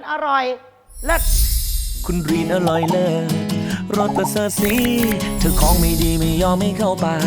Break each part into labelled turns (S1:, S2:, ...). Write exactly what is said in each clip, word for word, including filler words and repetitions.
S1: อร่อยเลิศ
S2: คุณรีนอร่อยเลิศรสประเสริฐสีเธอของไม่ดีไม่ยอมไม่เข้าปาก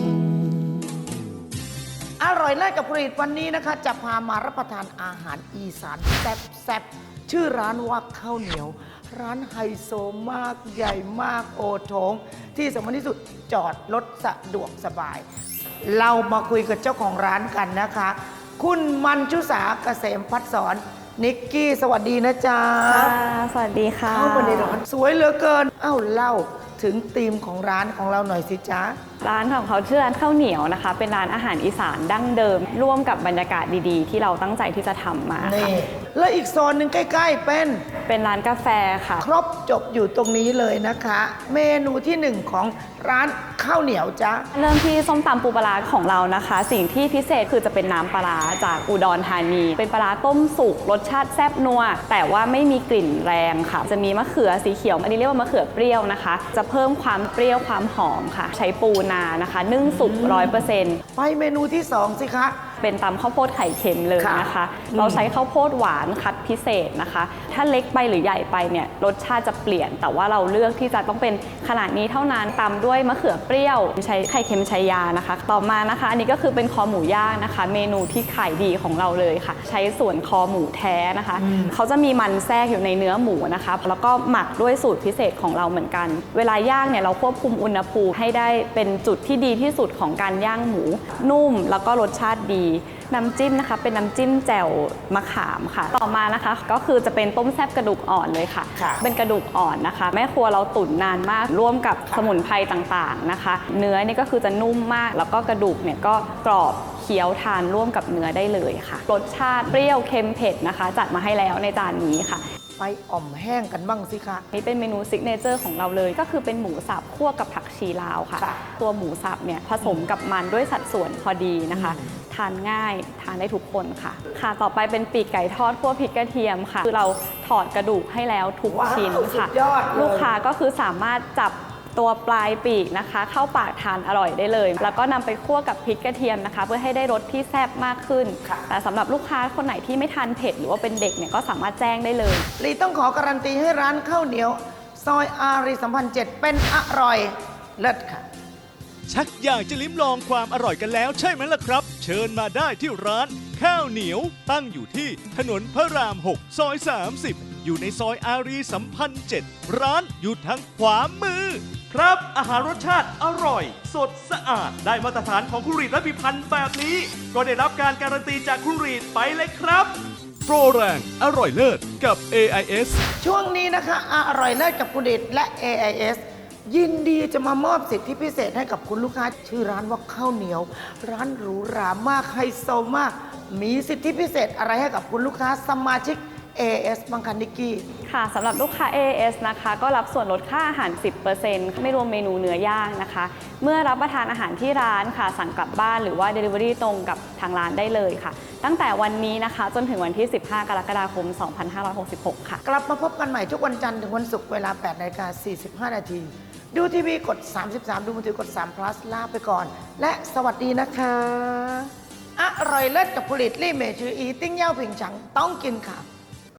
S1: อร่อยเลิศกับผลิตวันนี้นะคะจะพามารับประทานอาหารอีสานแซ่บๆชื่อร้านว่าข้าวเหนียวร้านไฮโซมากใหญ่มากโอโถงที่สำคัญที่สุดจอดรถสะดวกสบาย เรามาคุยกับเจ้าของร้านกันนะคะ คุณมัญชุสาเกษมพัฒสอนนิกกี้สวัสดีนะจ๊ะ
S3: ค่ะสวัสดีค่ะ
S1: เข้ามาในร้านสวยเหลือเกินเอ้าเล่าถึงธีมของร้านของเราหน่อยสิจ๊ะ
S3: ร้านของเขาชื่อร้านข้าวเหนียวนะคะ เป็นร้านอาหารอีสานดั้งเดิม ร่วมกับบรรยากาศดีๆ ที่เราตั้งใจที่จะทำมาค่ะ
S1: นี่แล้วอีกโซนหนึ่งใกล้ๆเป็น
S3: เป็นร้านกาแฟค่ะ
S1: ครบจบอยู่ตรงนี้เลยนะคะ เมนูที่หนึ่งของร้านข้าวเหนียวจ๊ะ
S3: เริ่มที่ส้มตำปูปลาร้าของเรานะคะ สิ่งที่พิเศษคือจะเป็นน้ำปลาร้าจากอุดรธานี เป็นปลาร้าต้มสุกรสชาติแซ่บนัวแต่ว่าไม่มีกลิ่นแรงค่ะ จะมีมะเขือสีเขียวอันนี้เรียกว่ามะเขือเปรี้ยวนะคะ จะเพิ่มความเปรี้ยวความหอมค่ะ ใช้ปูนานะคะนึ่งสุกร้อยเปอร์เซ็นต์
S1: ไปเมนูที่สองสิคะ
S3: เป็นตำข้าวโพดไข่เค็มเลยนะคะ เราใช้ข้าวโพดหวานคัดพิเศษนะคะ ถ้าเล็กไปหรือใหญ่ไปเนี่ยรสชาติจะเปลี่ยน แต่ว่าเราเลือกที่จะต้องเป็นขนาดนี้เท่านั้นตำด้วยมะเขือเปรี้ยวใช้ไข่เค็มชัยยานะคะ ต่อมานะคะ อันนี้ก็คือเป็นคอหมูย่างนะคะ เมนูที่ขายดีของเราเลยค่ะ ใช้ส่วนคอหมูแท้นะคะ เขาจะมีมันแทรกอยู่ในเนื้อหมูนะคะ แล้วก็หมักด้วยสูตรพิเศษของเราเหมือนกัน เวลาย่างเนี่ยเราควบคุมอุณหภูมิให้ได้เป็นจุดที่ดีที่สุดของการย่างหมูนุ่มแล้วก็รสชาติดีน้ำจิ้มนะคะเป็นน้ำจิ้มแจ่วมะขามค่ะต่อมานะคะก็คือจะเป็นต้มแซ่บกระดูกอ่อนเลยค่ะ
S1: ค่ะ
S3: เป็นกระดูกอ่อนนะคะ แม่ครัวเราตุ๋นนานมากร่วมกับ
S1: ค่ะ
S3: สมุนไพรต่างๆนะคะ เนื้อนี่ก็คือจะนุ่มมากแล้วก็กระดูกเนี่ยก็กรอบเคี้ยวทานร่วมกับเนื้อได้เลยค่ะรสชาติเปรี้ยวเค็มเผ็ดนะคะ จัดมาให้แล้วในจานนี้ค่ะ
S1: ไปอ่อมแห้งกันบ้างสิคะ
S3: นี่เป็นเมนูซิกเนเจอร์ของเราเลยก็คือเป็นหมูสับคั่วกับผักชีลาวค่ะ
S1: ค่ะ
S3: ตัวหมูสับเนี่ยผสมกับมันด้วยสัดส่วนพอดีนะคะ ทานง่ายทานได้ทุกคนค่ะ ค่ะต่อไปเป็นปีกไก่ทอดคั่วพริกกระเทียมค่ะ คือเราถอดกระดูกให้แล้วทุก
S1: ว้าว
S3: ชิ้นค่ะ
S1: สุดยอดเลย
S3: ลูกค้าก็คือสามารถจับตัวปลายปีกนะคะ เข้าปากทานอร่อยได้เลย แล้วก็นำไปคั่วกับพริกกระเทียมนะคะ เพื่อให้ได้รสที่แซ่บมากขึ้น
S1: ค่ะ
S3: แต่สำหรับลูกค้าคนไหนที่ไม่ทานเผ็ดหรือว่าเป็นเด็กเนี่ยก็สามารถแจ้งได้เลย
S1: ลีต้องขอการันตีให้ร้านข้าวเหนียว ซอยอารีสัมพันธ์เจ็ดเป็นอร่อยเลิศค่ะ
S4: ชักอยากจะลิ้มลองความอร่อยกันแล้วใช่ไหมล่ะครับ เชิญมาได้ที่ร้านข้าวเหนียวตั้งอยู่ที่ถนนพระราม หก ซอย สามสิบ อยู่ในซอยอารีสัมพันธ์เจ็ดร้านอยู่ทางขวามือ ครับอาหารรสชาติอร่อย สดสะอาดได้มาตรฐานของคุณรีดและพิพันธ์แบบนี้ ก็ได้รับการการันตีจากคุณรีดไปเลยครับ โปรแรงอร่อยเลิศกับ เอ ไอ เอส
S1: ช่วงนี้นะคะอร่อยเลิศกับคุณเดชและ เอ ไอ เอส ยินดีจะมามอบสิทธิพิเศษให้กับคุณลูกค้า ชื่อร้านว่าข้าวเหนียว ร้านหรูหรามากไฮโซมาก มีสิทธิพิเศษอะไรให้กับคุณลูกค้าสมาชิก เอ เอ เอส บังคันนิกกี้
S3: ค่ะสำหรับลูกค้า เอ เอ เอส นะคะก็รับส่วนลดค่าอาหาร สิบเปอร์เซ็นต์ ไม่รวมเมนูเนื้อย่างนะคะ เมื่อรับประทานอาหารที่ร้านค่ะสั่งกลับบ้านหรือว่า Delivery ตรงกับทางร้านได้เลยค่ะ ตั้งแต่วันนี้นะคะจนถึงวันที่ สิบห้า กรกฎาคม สองพันห้าร้อยหกสิบหก ค่ะ
S1: กลับมาพบกันใหม่ทุกวันจันทร์ถึงวันศุกร์เวลา แปดนาฬิกาสี่สิบห้า นาที ดูทีวีกด สามสิบสาม ดูมือถือกด สาม plus ลาไปก่อน และสวัสดีนะคะ อร่อยเลิศกับผลิตลี่เมชืออีติ้งเย่าผิงฉังต้องกินค่ะ